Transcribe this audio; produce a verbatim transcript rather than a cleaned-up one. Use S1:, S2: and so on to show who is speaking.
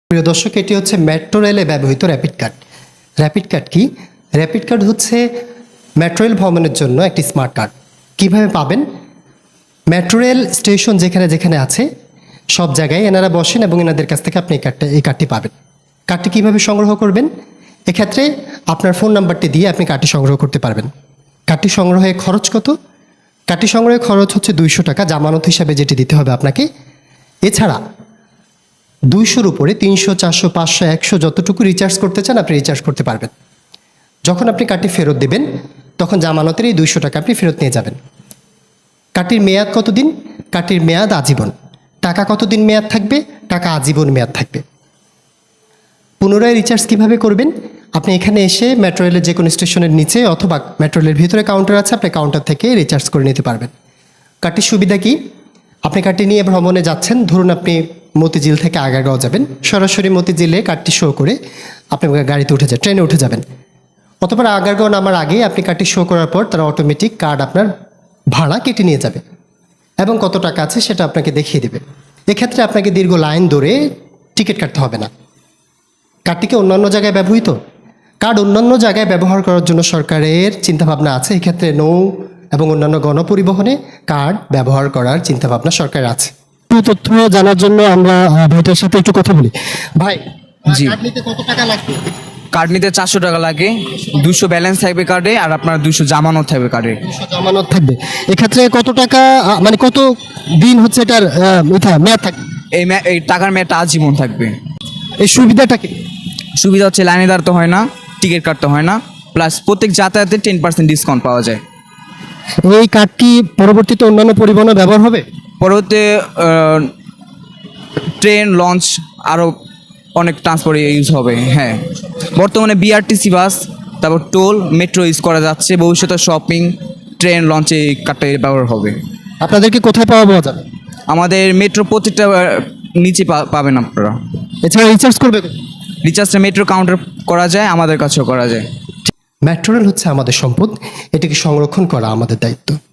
S1: প্রিয় দর্শক, এটি হচ্ছে মেট্রো রেলে ব্যবহৃত র্যাপিড কার্ড। র্যাপিড কার্ড কি? র্যাপিড কার্ড হচ্ছে মেট্রো রেল ভ্রমণের জন্য একটি স্মার্ট কার্ড। কিভাবে পাবেন? মেট্রো রেল স্টেশন যেখানে যেখানে আছে সব জায়গায় এনারা বসেন এবং এনাদের কাছ থেকে আপনি এই কার্ডটা এই কার্ডটি পাবেন। কার্ডটি কীভাবে সংগ্রহ করবেন? এক্ষেত্রে আপনার ফোন নাম্বারটি দিয়ে আপনি কার্ডটি সংগ্রহ করতে পারবেন। কার্ডটি সংগ্রহে খরচ কত? কার্ডটি সংগ্রহে খরচ হচ্ছে দুইশো টাকা, জামানত হিসাবে যেটি দিতে হবে আপনাকে। এছাড়া দুইশোর উপরে তিনশো, চারশো, পাঁচশো, একশো যতটুকু রিচার্জ করতে চান আপনি রিচার্জ করতে পারবেন। যখন আপনি কার্ডটি ফেরত দেবেন তখন জামানতের এই দুইশো টাকা আপনি ফেরত নিয়ে যাবেন। কার্ডটির মেয়াদ কতদিন? কার্ডটির মেয়াদ আজীবন। টাকা কতদিন মেয়াদ থাকবে? টাকা আজীবন মেয়াদ থাকবে। পুনরায় রিচার্জ কিভাবে করবেন? আপনি এখানে এসে মেট্রো রেলের যে কোনো স্টেশনের নিচে অথবা মেট্রো রেলের ভিতরে কাউন্টার আছে, আপনি কাউন্টার থেকে রিচার্জ করে নিতে পারবেন। কার্ডটির সুবিধা কি? আপনি কার্ডটি নিয়ে ভ্রমণে যাচ্ছেন, ধরুন আপনি মতিঝিল থেকে আগারগাঁও যাবেন, সরাসরি মতিঝিলে কার্ডটি শো করে আপনি গাড়িতে উঠে যাবেন, ট্রেনে উঠে যাবেন। অথবা আগারগাঁও নামার আগেই আপনি কার্ডটি শো করার পর তারা অটোমেটিক কার্ড আপনার ভাড়া কেটে নিয়ে যাবে এবং কত টাকা আছে সেটা আপনাকে দেখিয়ে দেবে। এক্ষেত্রে আপনাকে দীর্ঘ লাইন ধরে টিকিট কাটতে হবে না। কার্ডটিকে অন্যান্য জায়গায় ব্যবহৃত কার্ড অন্যান্য জায়গায় ব্যবহার করার জন্য সরকারের চিন্তাভাবনা আছে। এক্ষেত্রে নৌ এবং অন্যান্য গণপরিবহনে কার্ড ব্যবহার করার চিন্তাভাবনা সরকারের আছে। তথ্য জানার জন্য আমরা ভাইটার সাথে একটু কথা বলি। ভাই,
S2: জি,
S1: কার্ড নিতে কত টাকা লাগবে?
S2: কার্ড নিতে চারশো টাকা লাগে, দুশো ব্যালেন্স থাকবে কার্ডে, আর আপনার দুশো জামানত থাকবে কার্ডে।
S1: দুশো জামানত থাকবে। এক্ষেত্রে কত টাকা আহ, মানে কত দিন হচ্ছে এটার আহ, ইথা মেয়াদ থাকবে?
S2: এই ম্যা- এই টাকার মেয়াদটা আজীবন থাকবে।
S1: এই সুবিধাটা কি?
S2: সুবিধা হচ্ছে লাইনে দাঁড়াতে হয় না, টিকিট কাটতে হয় না, প্লাস প্রত্যেক যাতায়াতে টেন পার্সেন্ট ডিসকাউন্ট পাওয়া যায়।
S1: এই কার্ড কি পরবর্তীতে অন্যান্য পরিবহনে ব্যবহার হবে?
S2: পরবর্তীতে আহ, ট্রেন, লঞ্চ, আরও অনেক ট্রান্সপোর্টে ইউজ হবে। হ্যাঁ, বর্তমানে বিআরটিসি বাস, তারপর টোল, মেট্রো ইউজ করা যাচ্ছে। ভবিষ্যতে শপিং, ট্রেন, লঞ্চে এই কার্ডটা ব্যবহার হবে।
S1: আপনাদেরকে কোথায় পাওয়া পাওয়া যাবে?
S2: আমাদের মেট্রো প্রত্যেকটা আহ, নিচে পা- পাবেন আপনারা।
S1: এছাড়া রিচার্জ করবে?
S2: রিচার্জটা মেট্রো কাউন্টার করা যায়, আমাদের কাছেও করা যায়।
S1: মেট্রো রেল হচ্ছে আমাদের সম্পদ, এটিকে সংরক্ষণ করা আমাদের দায়িত্ব।